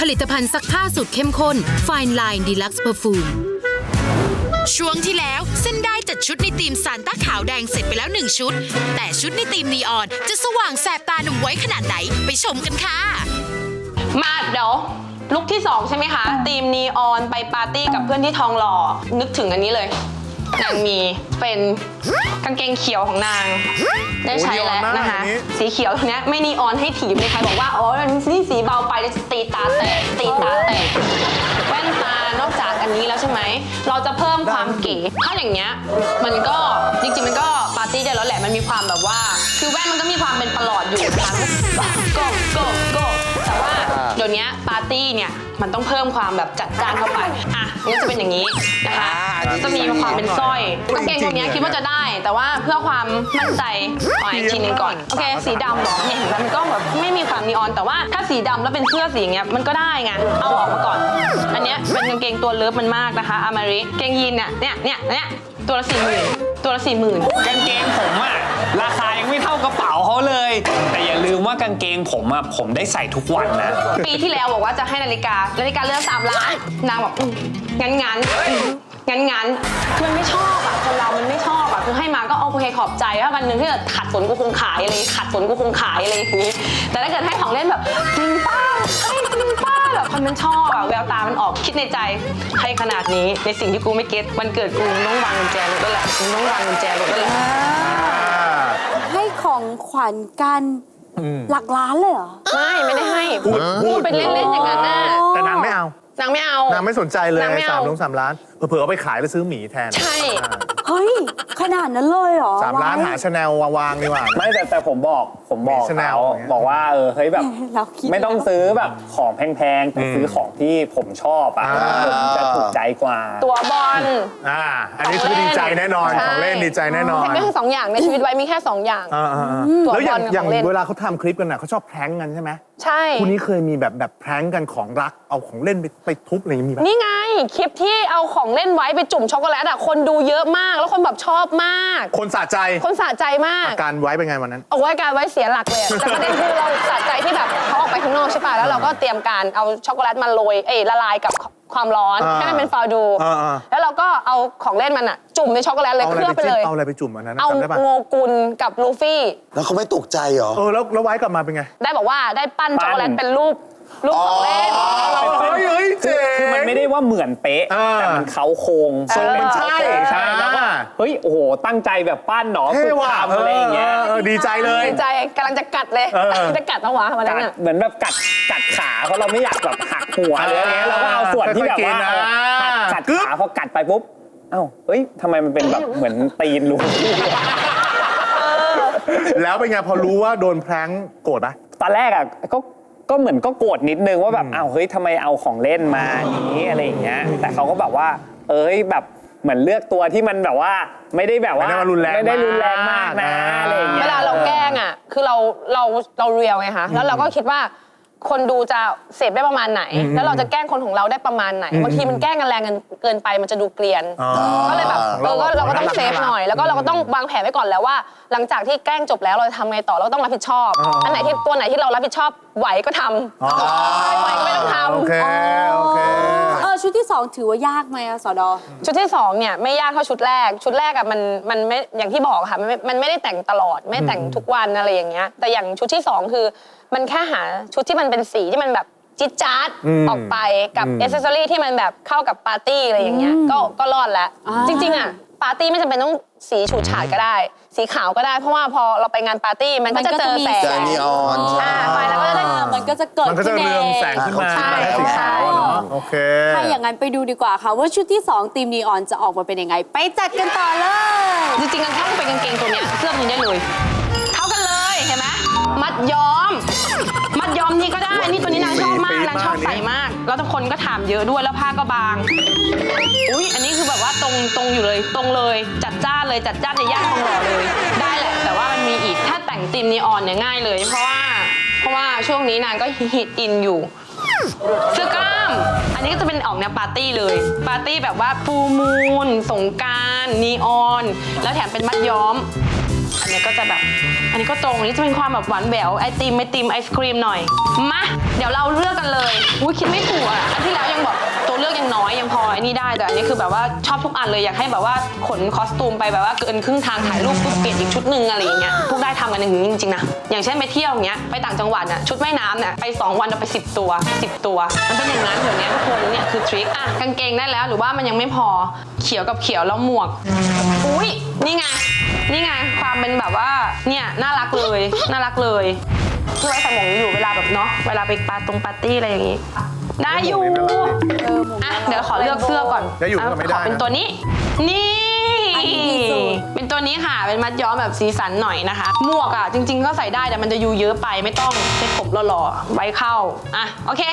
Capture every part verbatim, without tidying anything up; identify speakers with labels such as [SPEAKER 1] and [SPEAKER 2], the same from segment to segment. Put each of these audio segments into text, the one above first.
[SPEAKER 1] ลิตภัณฑ์ซักผ้าสูตรเข้มข้น Fine Line Deluxe Perfume ช่วงที่แล้วเส้นได้จัดชุดในธีมซานต้าขาวแดงเสร็จไปแล้วหนึ่งชุดแต่ชุดในธีมนีออนจะสว่างแสบตาหนุ่มไว้ขนาดไหนไปชมกันค่ะ
[SPEAKER 2] มาเดี๋ยวลุคที่สองใช่ไหมคะธีมนีออนไปปาร์ตี้กับเพื่อนที่ทองหล่อนึกถึงอันนี้เลยนางมีเป็นกางเกงเขียวของนางได้ใช้แล้วนะคะสีเขียวตรงนี้ไม่นีออนให้ถีบเลยใครบอกว่าอ๋อนี่สีเบาไปจะตีตาแตกตีตาแตกแว่นตานอกจากอันนี้แล้วใช่ไหมเราจะเพิ่มความเก๋ถ้าอย่างเงี้ยมันก็จริงๆมันก็ปาร์ตี้ได้แล้วแหละมันมีความแบบว่าคือแว่นมันก็มีความเป็นประหลอดอยู่นะคะก็ก็ก็แต่ว่าเดี๋ยวนี้ปาร์ตี้เนี่ยมันต้องเพิ่มความแบบจัดจ้านเข้าไปอ่ะนี่จะเป็นอย่างนี้นะคะจะมีความเป็นสร้อยกางเกงตัวนี้คิดว่าจะได้แต่ว่าเพื่อความมั่นใจเอาอีกทีนึงก่อนโอเคสีดำหรอเนี่ยเห็นไหมมันก็แบบไม่มีความนีออนแต่ว่าถ้าสีดำแล้วเป็นเสื้อสีอย่างเงี้ยมันก็ได้ไงเอาออกมาก่อนอันนี้เป็นกางเกงตัวเลิฟมันมากนะคะอามาริเกงยีนเนี่ยเนี่ยเนี่ยเนี่ยตัวละสี่หมื่นตัวละสี่หมื่น
[SPEAKER 3] กางเกงผมอะราคายังไม่เท่ากระเป๋าเขาเลยแต่อย่าลืมว่ากางเกงผมอะผมได้ใส่ทุกวันนะ
[SPEAKER 2] ปีที่แล้วบอกว่าจะให้นาฬิกานาฬิกาเรือนสามล้านนางบอกงั้นงั้นงั้นงั้นมันไม่ชอบอะคนเรามันไม่ชอบอะคือให้มาก็โอเคขอบใจว่าวันหนึ่งที่ขัดสนกูคงขายอะไรขัดสนกูคงขายอะไรอย่างนี้แต่ถ้าเกิดให้ของเล่นแบบจริงป้าให้จริงป้าแบบคนมันชอบอะแววตามันออกคิดในใจให้ขนาดนี้ในสิ่งที่กูไม่เก็ตวันเกิดกูต้องวางกุญแจรถด้วยแหละกูต้องวางกุญแจรถด้วยแหละ
[SPEAKER 4] ให้ของขวัญกันหลักล้านเลยเหรอ
[SPEAKER 2] ไม่ไม่ได้ให้พูดเป็นเล่นๆอย่างนั้นน่ะ
[SPEAKER 5] แต่นางไม่เอา
[SPEAKER 2] นางไม่เอา
[SPEAKER 5] นางไม่สนใจเลยสามล้านสามล้านเผื่อเอาไปขายแล้วซื้อหมีแทน
[SPEAKER 2] ใช่
[SPEAKER 4] เฮ้ยขนาดนั้นเลยเหรอ
[SPEAKER 5] สามล้านหาชาแนลวางดีกว่า
[SPEAKER 3] ไม่แต่แต่ผมบอกผมบอกเขาบอกว่าเออเฮ้ยแบบไม่ต้องซื้อแบบของแพงๆแต่ซื้อของที่ผมชอบอ่ะผมจะถูกใจกว่า
[SPEAKER 2] ตัวบอล
[SPEAKER 5] อ่าอันนี้คือดีใจแน่นอนของเล่นดีใจแน่นอน
[SPEAKER 2] แค่สองอย่างในชีวิตไว้มีแค่สองอย่าง
[SPEAKER 5] แล้วอย่างอย่างเวลาเขาทำคลิปกันน่ะเขาชอบแพร้งกันใช่ไหม
[SPEAKER 2] ใช่
[SPEAKER 5] คู่นี้เคยมีแบบแบบแพร้งกันของรักเอาของเล่นไปไปทุบอะไรอย่างนี้ไหม
[SPEAKER 2] นี่ไงคลิปที่เอาของเล่นไว้ไปจุ่มช็อกโกแลตอ่ะคนดูเยอะมากแล้วคนแบบชอบมาก
[SPEAKER 5] คนสะใจ
[SPEAKER 2] คนสะใจมาก
[SPEAKER 5] อาการไว้เป็นไงวันนั้น
[SPEAKER 2] เอาไว้การไว้เสียหลักเลยแต่ประเด็นคือเราสะใจที่แบบเขาออกไปข้างนอกใช่ป่ะแล้วเราก็เตรียมการเอาช็อกโกแลตมาโรยเอ้ละลายกับความร้อนให้มันเป็นฟาวดูแล้วเราก็เอาของเล่นมันอ่ะจุ่มในช็อกโกแลตเลยเคลือบไปเลย
[SPEAKER 5] เอาอะไรไปจุ่มอันนั้น
[SPEAKER 2] เอาโงกุลกับลูฟี่
[SPEAKER 6] แล้วเขาไม่ตกใจเหรอ
[SPEAKER 5] เออแล้วแล้วไว้กลับมาเป็นไง
[SPEAKER 2] ได้บอกว่าได้ปั้นช็อกโกแลตเป็นรูปรูปของเล่น
[SPEAKER 5] เฮ้ยเฮ้ยเจ๋ง
[SPEAKER 3] คือมันไม่ได้ว่าเหมือนเป๊ะแต่มันเขาโครง
[SPEAKER 5] ทรงมันใช่
[SPEAKER 3] ใช่แล้วก็เฮ้ยโอ้โหตั้งใจแบบปั้นหนอฝึกทำอะไรอย่างเงี้ย
[SPEAKER 5] ดีใจเลย
[SPEAKER 2] ดีใจกำลังจะกัดเลยจะกัดต้องวะวันนั้น
[SPEAKER 3] เหมือนแบบกัดกัดขาเพราะเราไม่อยากแบบหักหัวอะไรอย่างเงี้ยเราก็เอาส่วนที่แบบว่ากัดขาพอกัดไปปุ๊บเอ้าเฮ้ยทำไมมันเป็นแบบเหมือนตีนลุง
[SPEAKER 5] แล้วเป็นไงพอรู้ว่าโดนแพร้งโกรธปะ
[SPEAKER 3] ตอนแรกอ่ะก็ก็เหมือนก็โกรธนิดนึงว่าแบบอ้าวเฮ้ยทำไมเอาของเล่นมาอย่างนี้อะไรอย่างเงี้ยแต่เขาก็แบบว่าเอ้ยแบบเหมือนเลือกตัวที่มันแบบว่าไม่ได้แบบว่า
[SPEAKER 5] ไม่ได้รุนแรง
[SPEAKER 3] ไม่ได้รุนแรงมากนะอะไรอย่างเงี้ย
[SPEAKER 2] เวลาเราแกล้งอ่ะคือเราเราเราเรียลไงคะแล้วเราก็คิดว่าคนดูจะเสพได้ประมาณไหนแล้วเราจะแกล้งคนของเราได้ประมาณไหนบางทีมันแกล้งกันแรงเกินไปมันจะดูเกลียนก็เลยแบบเออก็เราก็ต้องเซฟหน่อยแล้วก็เราก็ต้องวางแผนไว้ก่อนแล้วว่าหลังจากที่แกล้งจบแล้วเราจะทำไงต่อเราต้องรับผิดชอบอันไหนที่ตัวไหนที่เรารับผิดชอบไหวก็ทำไม่ไหวก็ไม่ต้องทำ
[SPEAKER 5] โอเคโอเค
[SPEAKER 4] เออชุดที่สองถือว่ายากไหมอะสด
[SPEAKER 2] ชุดที่สองเนี่ยไม่ยากเท่าชุดแรกชุดแรกอะมันมันไม่อย่างที่บอกค่ะมันมันไม่ได้แต่งตลอดไม่แต่งทุกวันอะไรอย่างเงี้ยแต่อย่างชุดที่สองคือมันแค่หาชุดที่มันเป็นสีที่มันแบบจิ๊ดจ๊าดออกไปกับอ c เซสซอรี่ที่มันแบบเข้ากับปาร์ตี้อะไรอย่างเงี้ยก็ก็รอดแล้วจริงๆอ่ะปาร์ตี้ไม่จำเป็นต้องสีฉูดฉาดก็ได้สีขาวก็ได้เพราะว่าพอเราไปงานปาร์ตี้มันก็จะเจอแสง
[SPEAKER 6] แสงนีออน
[SPEAKER 2] อ่าไฟแล้วก็จะได้
[SPEAKER 4] มันก็จะเกิด
[SPEAKER 5] มันก็จะเรืองแสงขึ้นมาสีขาวเนาะโอเค
[SPEAKER 4] ถ้าอย่างนั้นไปดูดีกว่าค่ะว่าชุดที่สองทีมนีออนจะออกมาเป็นยังไงไปจัดกันต่อเลย
[SPEAKER 2] จริงๆกันถ้าเป็นกางเกงตัวเนี้ยเสื้อตัวนี้ได้เลยเท่ากันเลยเห็นไหมมัดย้อมมัดย้อมนี่ก็ได้นี่ตัวนี้นางชอบมากนางชอบใส่มากแล้วทุกคนก็ถามเยอะด้วยแล้วผ้าก็บางอุ้ยอันนี้คือแบบว่าตรงตรงอยู่เลยตรงเลยจัดจ้านเลยจัดจ้านในย่านทองหล่อเลยได้แหละแต่ว่ามันมีอีกถ้าแต่งธีมนีออนเนี่ยง่ายเลยเพราะว่าเพราะว่าช่วงนี้นางก็ฮิตอินอยู่เสื้อกล้ามอันนี้ก็จะเป็นออกแนวปาร์ตี้เลยปาร์ตี้แบบว่าฟูมูนสงกรานต์นีออนแล้วแถมเป็นมัดย้อมอันนี้ก็จะแบบอันนี้ก็ตรงอันนี้จะเป็นความแบบหวานแหววไอติมไอติมไอศครีมหน่อยมาเดี๋ยวเราเลือกกันเลยอุ้ยคิดไม่ถูกอ่ะอันที่แล้วยังบอกตัวเลือกยังน้อยยังพอไอ้นี่ได้แต่อันนี้คือแบบว่าชอบทุกอันเลยอยากให้แบบว่าขนคอสตูมไปแบบว่าเกินครึ่งทางถ่ายรูปปุ๊บเปลี่ยนอีกชุดหนึ่งอะไรอย่างเงี้ยพวกได้ทำกันอย่างนี้จริงๆนะอย่างเช่นไปเที่ยวอย่างเงี้ยไปต่างจังหวัดน่ะชุดว่ายน้ำเนี่ยไปสองวันเอาไปสิบตัวสิบตัวมันเป็นอย่างนั้นแบบนี้ทุกคนเนี่ยคือทริคอ่ะกางเกงได้แล้วหรือว่ามันยังไม่พอเขียวกับเขียวแล้วหมวกอุ้ยนี่ไงนี่ไงความเป็นแบบว่าเนี่ยน่ารักเลยน่ารักเลยที่ไว้ใส่หมวกนี้อยู่เวลาแบบเนาะเวลาไปปาตรงปาร์ตี้อะไรอย่างงี้ได้อยู่อ่ะเดี๋ยวขอเลือกเสื้อก่อน
[SPEAKER 5] ได้อยู่ก็ไม่ได้
[SPEAKER 2] ขอเป็น
[SPEAKER 5] นะ
[SPEAKER 2] ตัวนี้นี่
[SPEAKER 4] อันนี้ดีสุด
[SPEAKER 2] เป็นตัวนี้ค่ะเป็นมัดย้อมแบบสีสันหน่อยนะคะหมวกอ่ะจริงๆก็ใส่ได้แต่มันจะยูเยอะไปไม่ต้องเซ็ตผมหล่อๆไว้เข้าอ่ะโอเค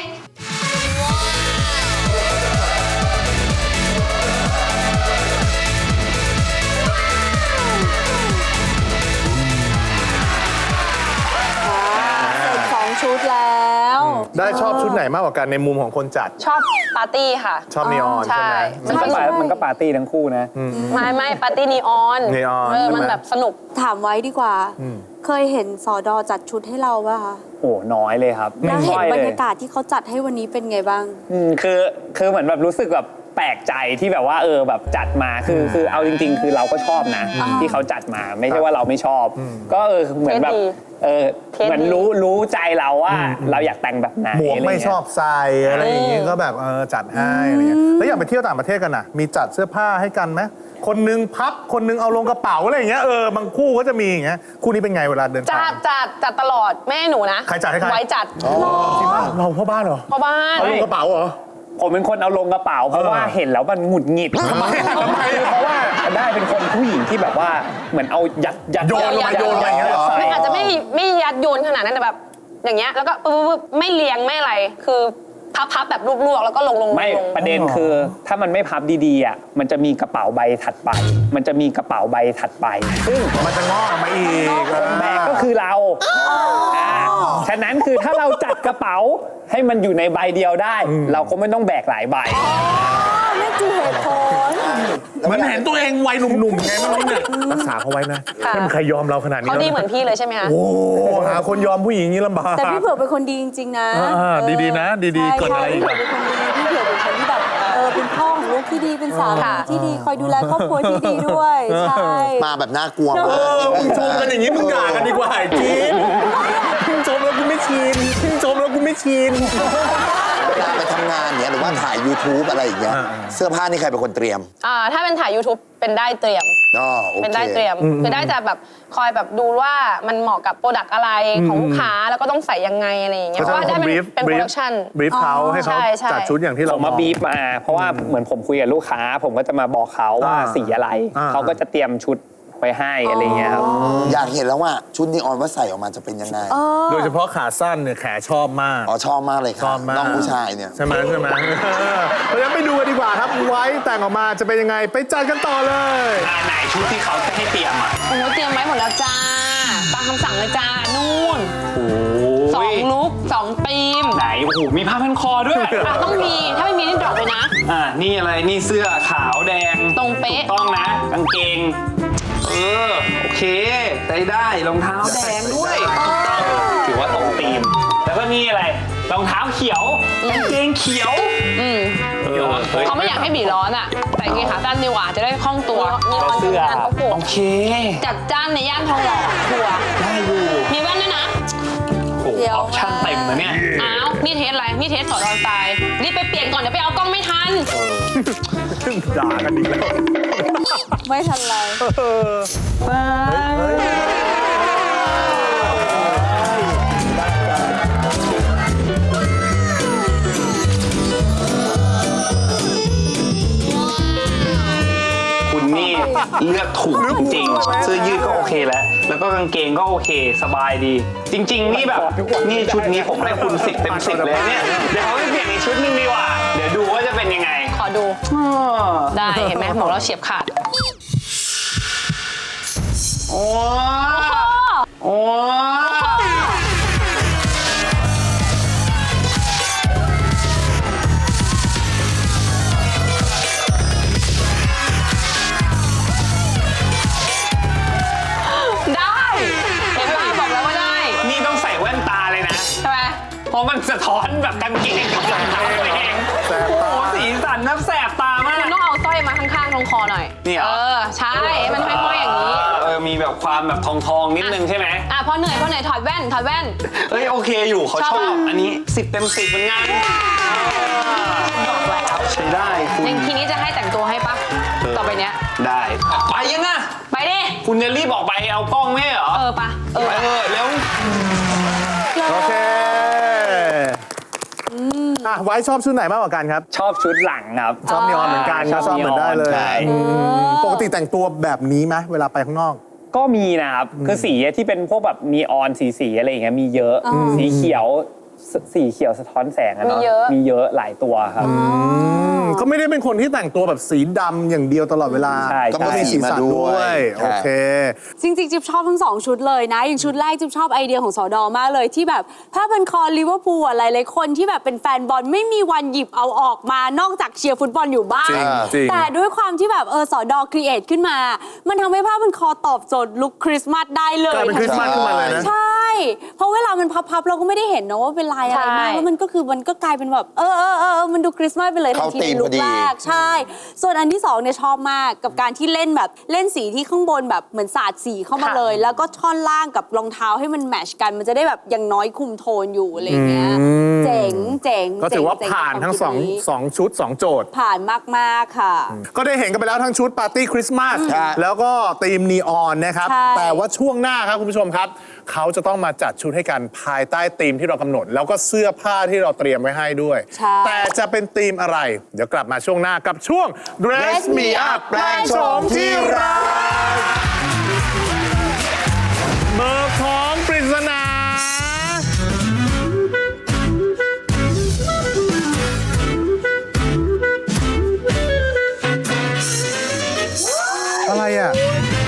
[SPEAKER 4] สองชุดแล้ว
[SPEAKER 5] ได้ชอบชุดไหนมากกว่ากันในมุมของคนจัด
[SPEAKER 2] ชอบปาร์ตี้ค่ะ
[SPEAKER 5] ชอบนีออนใช่ไหม
[SPEAKER 3] มันก็ปามันก็ปาร์ตี้ทั้งคู่นะ
[SPEAKER 2] ไม่ไม่ปาร์ตี้นีออน
[SPEAKER 5] นีออน
[SPEAKER 2] เออ
[SPEAKER 5] ใช่ไหม
[SPEAKER 2] มันแบบสนุก
[SPEAKER 4] ถามไว้ดีกว่า เคยเห็นสอดอจัดชุดให้เราป่ะคะ
[SPEAKER 3] โอ้น้อยเลยครับ
[SPEAKER 4] แล้ว
[SPEAKER 3] ไม่
[SPEAKER 4] เห็น
[SPEAKER 3] ค่อย
[SPEAKER 4] บร
[SPEAKER 3] เล
[SPEAKER 4] ร
[SPEAKER 3] ย
[SPEAKER 4] ยากาศที่เขาจัดให้วันนี้เป็นไงบ้าง
[SPEAKER 3] อืมคือคือเหมือนแบบรู้สึกแบบแปลกใจที่แบบว่าเออแบบจัดมาคือคือเอาจริง ๆ คือเราก็ชอบนะ ที่เขาจัดมาไม่ใช่ว่าเราไม่ชอบ ก็เออเหมือนแบบ
[SPEAKER 2] เทสดี
[SPEAKER 3] เออ
[SPEAKER 2] เทสดี
[SPEAKER 3] เหมือนรู้รู้ใจเราว่าเราอยากแต่งแบบไหน
[SPEAKER 5] หมวก
[SPEAKER 3] ะร
[SPEAKER 5] ไม่
[SPEAKER 3] เงี้ย
[SPEAKER 5] ชอบใส่อะไรอย่างงี้ก็แบบเออจัดให้อะไรเงี้ยแล้วอย่างไปเที่ยวต่างประเทศกันน่ะมีจัดเสื้อผ้าให้กันไหมคนนึงพับคนนึงเอาลงกระเป๋าอะไรอย่างเงี้ยเออบางคู่ก็จะมีอย่างเงี้ยคู่นี้เป็นไงเวลาเดิน
[SPEAKER 2] จั
[SPEAKER 5] ทา
[SPEAKER 2] ด
[SPEAKER 5] ง
[SPEAKER 2] จัดจัดตลอดแม่หนูนะ
[SPEAKER 5] ใครจัดให้ใคร
[SPEAKER 2] ไว้จัด
[SPEAKER 5] จริงป่ะเราพ่อบ้านเหรอ
[SPEAKER 2] พ่อบ้าน
[SPEAKER 5] เอาลงกระเป๋าเหรอ
[SPEAKER 3] ผมเป็นคนเอาลงกระเป๋าเพราะว่าเห็นแล้วมันหงุดหงิด
[SPEAKER 5] ทำไมทำไม
[SPEAKER 3] เพราะว่าได้เป็นคนผู้หญิงที่แบบว่าเหมือนเอายัดยัด
[SPEAKER 5] โยนลงมาโยนลงมาอย่างเงี้ยเหรอ
[SPEAKER 3] ใส่
[SPEAKER 2] มันอาจจะไม่ไม่ยัดโยนขนาดนั้นแต่แบบอย่างเงี้ยแล้วก็ปึ๊บปึ๊บไม่เรียงไม่อะไรคือพับพับแบบลวกๆแล้วก็ลงลง
[SPEAKER 3] ไม่
[SPEAKER 2] ลง
[SPEAKER 3] ประเด็นคือถ้ามันไม่พับดีๆอ่ะมันจะมีกระเป๋าใบถัดไป มันจะมีกระเป๋าใบถัดไป ซึ่ง
[SPEAKER 5] มันจะงอกออกมาอีก
[SPEAKER 3] คนแบกก็คือเราอ่าฉะนั้นคือถ้าเราจัดกระเป๋าให้มันอยู่ในใบเดียวได้ เราก็ไม่ต้องแบกหลายใบ
[SPEAKER 4] นั่นคือเหตุผล
[SPEAKER 5] เหมือนเห็นตัวเองวัยหนุ่มๆไงไม่รู้เนี่ยรักษาเขาไว้นะไม่มีใครยอมเราขนาดนี้
[SPEAKER 2] เขาดี
[SPEAKER 5] แล้ว
[SPEAKER 2] เหมือนพี่เลยใช่ไหมคะ
[SPEAKER 5] โอ้หาคนยอมผู้หญิงนี่ลำบาก
[SPEAKER 4] แต่พี่เผือกเป็นคนดีจริงๆนะ
[SPEAKER 5] อ่าดีๆนะดีๆ
[SPEAKER 4] ใช่
[SPEAKER 5] เกิดอะไรอีก
[SPEAKER 4] พี่
[SPEAKER 5] อะ
[SPEAKER 4] เผือกเป็นคนดีพี่เผือกเป็นคนที่แบบเออเป็นพ่อของลูกที่ดีเป็นสามีที่ดีคอยดูแลครอบครัวที่ดีด้วยใช่
[SPEAKER 6] มาแบบน่ากลัว
[SPEAKER 5] เอ
[SPEAKER 6] มาก
[SPEAKER 5] อมึงชมกันอย่างนี้มึงด่ากันดีกว่าไอ้จี๊ดมึงชมแล้วกูไม่ชินมึงชมแล้วกูไม่ชิน
[SPEAKER 6] เวลาไปทำงานเนี่ยหรือว่าถ่าย YouTube อะไรอย่างเงี้ย
[SPEAKER 5] อ่า
[SPEAKER 6] เสื้อผ้านี่ใครเป็นคนเตรียม
[SPEAKER 2] อ่าถ้าเป็นถ่าย YouTube เป็นได้เตรียม
[SPEAKER 6] อ๋อโอเค
[SPEAKER 2] เป็นได้เตรียมคือได้จะแบบคอยแบบดูว่ามันเหมาะกับโปรดักต์อะไรของลูกค้าแล้วก็ต้องใส่ยังไงอะไรอย่างเงี้ยเพราะว่าได้เป็นเป็นโปรดักชั่น
[SPEAKER 5] บรีฟเขาให้เขา
[SPEAKER 2] ใช่ใช่
[SPEAKER 5] จัดชุดอย่างที่
[SPEAKER 3] ผ
[SPEAKER 5] เรา
[SPEAKER 3] มมาบีฟมาเพราะว่าเหมือนผมคุยกับลูกค้า ผมก็จะมาบอกเขาว่า
[SPEAKER 5] อ่า
[SPEAKER 3] สีอะไร
[SPEAKER 5] อ่า
[SPEAKER 3] เขาก็จะเตรียมชุดไว้ให้อะไรเงี้ยครับ
[SPEAKER 6] อยากเห็นแล้วว่าชุดนีออนว่าใส่ออกมาจะเป็นยังไง
[SPEAKER 5] โดยเฉพาะขาสั้นเนี่ยแขชอบมาก
[SPEAKER 6] อ๋อชอบมากเลย
[SPEAKER 5] ช
[SPEAKER 6] ค่ะ
[SPEAKER 5] อบมาก
[SPEAKER 6] น้องผู้ชายเนี่ย
[SPEAKER 5] ใช่ไหมใช่ไหมเพราะฉะนั้นไปดูกันดีกว่าครับไว้แต่งออกมาจะเป็นยังไงไปจัดกันต่อเลย
[SPEAKER 3] อ่าไหนชุดที่เขาจะให้เตรียมอ่ะ
[SPEAKER 2] โอ้โหเตรียมไว้หมดแล้วจ้าตามคำสั่งเลยจ้านู่น
[SPEAKER 3] โอ้
[SPEAKER 2] สองลุกสองธีม
[SPEAKER 3] ไหนโอ้โหมีผ้าพันคอด้วย
[SPEAKER 2] อ่ะต้องมีถ้าไม่มีนี่ดรอปเลยนะ
[SPEAKER 3] อ่านี่อะไรนี่เสื้อขาวแดง
[SPEAKER 2] ตรงเป๊ะ
[SPEAKER 3] ถูกต้องนะกางเกงเออโอเคได้ได้รองเท้าแดงด้วยถูกต้องถือว่าตรงธีม แล้วก็นี่อะไรรองเท้าเขียวกางเกงเขียว
[SPEAKER 2] อืม
[SPEAKER 3] เออเฮ้ย
[SPEAKER 2] เขาไม่อยากให้บีร้อนอ่ะแต่กางเกงขาสั้นดีกว่าจะได้คล่องตัวมีออน
[SPEAKER 3] เสื้อ
[SPEAKER 2] ทำงานประกบ
[SPEAKER 3] โอเค
[SPEAKER 2] จัดจ้านในย่านทองหล่อทัวร์
[SPEAKER 3] ได้อยู่
[SPEAKER 2] มีแว่นด้วยนะ
[SPEAKER 3] โอ้โหออปชั่นเต็มนะเนี่ย
[SPEAKER 2] อ้าวนี่เทสอะไรนี่เทสสอดอนสไตล์รีบไปเปลี่ยนก่อนเดี๋ยวไปเอากล้องไม่ทัน
[SPEAKER 5] ด่ากันอีกแล้ว
[SPEAKER 4] ไม่ทันไร
[SPEAKER 3] คุณนี่เลือกถูกจริงๆเสื้อยืดก็โอเคแล้ว แล้วก็กางเกงก็โอเคสบายดี จริง ๆ นี่แบบนี่ชุดนี้ผมให้คุณสิบเต็มสิบเลยเนี่ยเดี๋ยวเขาไปเปลี่ยนอีกชุดนึงดีกว่า เดี๋ยวดูว่าจะเป็นยังไง
[SPEAKER 2] ขอดูได้เห็นไหมบอกแล้วเฉียบขาด
[SPEAKER 3] โอ้โอ้
[SPEAKER 2] ได้เห็นปะ
[SPEAKER 3] เพราะมันสะท้อนแบบกางเกงกับรองเท้าตัวเอง
[SPEAKER 5] แสบ
[SPEAKER 3] โอ้
[SPEAKER 5] ตา
[SPEAKER 3] โหสีสันนับแสบตามาก
[SPEAKER 2] คุณต้องเอาสร้อยมาข้างๆตรงคอหน่อย
[SPEAKER 3] นี่เหรอ
[SPEAKER 2] เออ ใช่ให้มันห้อยๆอย่างนี้
[SPEAKER 3] เออมีแบบความแบบทองทองๆนิดนึงใช่ไหม
[SPEAKER 2] อ่ะพอเหนื่อยพอเหนื่อยถอดแว่นถอดแว่น
[SPEAKER 3] เฮ้ยโอเคอยู่เขา
[SPEAKER 2] ชอบ
[SPEAKER 3] ชอบ
[SPEAKER 2] ปะ
[SPEAKER 3] อันนี้สิบเต็มสิบเหมือนกันใช้ได้คุณ
[SPEAKER 2] อย่างทีนี้จะให้แต่งตัวให้ปะต่อไปเนี้ย
[SPEAKER 3] ได้ไปยังอ่ะ
[SPEAKER 2] ไปดิ
[SPEAKER 3] คุณจะรีบออกไปเอากล้องไม่ใช่เหรอ
[SPEAKER 2] เออปะเออ
[SPEAKER 3] ไปเออเร็ว
[SPEAKER 5] โอเคอ่ะไว้ชอบชุดไหนมากกว่ากันครับ
[SPEAKER 7] ชอบชุดหลังครับ
[SPEAKER 5] ชอบนีออนเหมือนกัน
[SPEAKER 7] ชอบ
[SPEAKER 5] ชอบเหมือนได้เลย
[SPEAKER 7] นีออนใช่
[SPEAKER 5] อืมปกติแต่งตัวแบบนี้ไหมเวลาไปข้างนอก
[SPEAKER 7] ก็มีนะครับ คือสีที่เป็นพวกแบบนีออนสีสีๆอะไรอย่างเงี้ยมีเยอะ สีเขียวสสีเขียวสะท้อนแสงอะเนาะ
[SPEAKER 2] มีเยอะ
[SPEAKER 7] มีเยอะหลายตัวครับ
[SPEAKER 5] อืมก็ไม่ได้เป็นคนที่แต่งตัวแบบสีดำอย่างเดียวตลอดเวลา
[SPEAKER 7] ใช่
[SPEAKER 5] ก็มีสีสันด้วย
[SPEAKER 6] ใช่
[SPEAKER 5] โอเค
[SPEAKER 4] จริงๆ จิ๊บชอบทั้งสองชุดเลยนะ อย่างชุดแรกจิ๊บชอบไอเดียของสอดอมากเลยที่แบบผ้าพันคอลิเวอร์พูลอะไรหลายๆคนที่แบบเป็นแฟนบอลไม่มีวันหยิบเอาออกมานอกจากเชียร์ฟุตบอลอยู่บ้าง
[SPEAKER 5] จริงจริง
[SPEAKER 4] แต่ด้วยความที่แบบเออสอดอครีเอทขึ้นมา มันทำให้ผ้าพันคอตอบโจทย์ลุคคริสต์มาสได้เลย
[SPEAKER 5] กลายเป็นคริสต์มาสขึ้นมาเลยนะ
[SPEAKER 4] ใช่ เพราะเวลามันพับๆเราก็ไม่ได้เห็นนะว่าเป็นลายอะไรมากแล้วมันก็คือมันก็กลายเป็นแบบเออเออเออมันดูคริสต์มาสไปเลยทัน
[SPEAKER 6] เข้า
[SPEAKER 4] ที
[SPEAKER 6] ธี
[SPEAKER 4] ใน
[SPEAKER 6] ม
[SPEAKER 4] ลุ
[SPEAKER 6] พอ
[SPEAKER 4] ค
[SPEAKER 6] ดี
[SPEAKER 4] แรกใช่ ส่วนอันที่สองเนี่ยชอบมากกับการที่เล่นแบบเล่นสีที่ข้างบนแบบเหมือนสาดสีเข้ามาเลย แล้วก็ท่อนล่างกับรองเท้าให้มันแมทชกัน มันจะได้แบบอย่างน้อยคุมโทนอยู่อะไรอย่างเงี้ย
[SPEAKER 5] อืม
[SPEAKER 4] เจ๋งเจ๋ง
[SPEAKER 5] ก็ถือว่า
[SPEAKER 4] เจ๋ง
[SPEAKER 5] ผ่านทั้งสอง
[SPEAKER 4] เจ๋กับ
[SPEAKER 5] สองชุดสองโจทย์
[SPEAKER 4] ผ่านมากๆค่ะ
[SPEAKER 5] ก็ได้เห็นกันไปแล้วทั้งชุดปาร์ตี้คริสต์มาส
[SPEAKER 6] ใช่
[SPEAKER 5] แล้วก็ธีมนีออนนะครับ
[SPEAKER 4] ใช่
[SPEAKER 5] แต่ว่าช่วงหน้าครับคุณผู้ชมครับ เขาจะต้องมาจัดชุดให้กันภายใต้ธีมที่เรากำหนด แล้วก็เสื้อผ้าที่เราเตรียมไว้ให้ด้วย
[SPEAKER 4] ใช่
[SPEAKER 5] แต่จะเป็นธีมอะไร เดี๋ยวกลับมาช่วงหน้ากับช่วง Dress Me Up แปลงโฉมที่รักเบอร์ของปริศนา อะไรอ่ะ